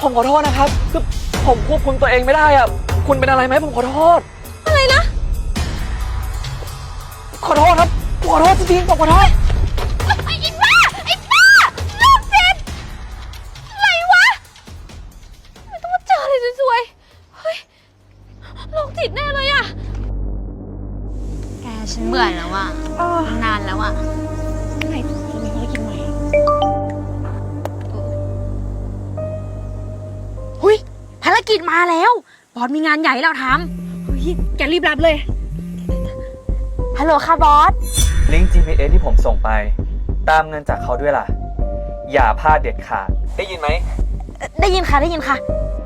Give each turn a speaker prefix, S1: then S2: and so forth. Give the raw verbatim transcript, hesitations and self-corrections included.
S1: ผมขอโทษนะครับคือผมควบคุมตัวเองไม่ได้อ่ะคุณเป็นอะไรไหมผมขอโทษ
S2: อะไรนะ
S1: ขอโทษครับขอโทษจริงๆผมขอโทษ
S2: ไอ้บ้าไอ้บ้าโรคจิตอะไรวะไม่ต้องมาเจออะไรสวยๆเฮ้ยโรคจิตแน่เลยอะแกฉันเบื่อแล้วอะนานแล้วอะ
S3: ไหนจะมีภารกิจใหม่หุยภารกิจมาแล้วบอสมีงานใหญ่ให้เราทำเฮ้ยแกรีบรับเลยฮัลโหลค่ะบอส
S1: ลิงก์ จี พี เอส ที่ผมส่งไป ตามเงินจากเขาด้วยล่ะ อย่าพลาดเด็ดขาดได้ยินไหม
S3: ได้ยินค่ะได้ยินค่ะ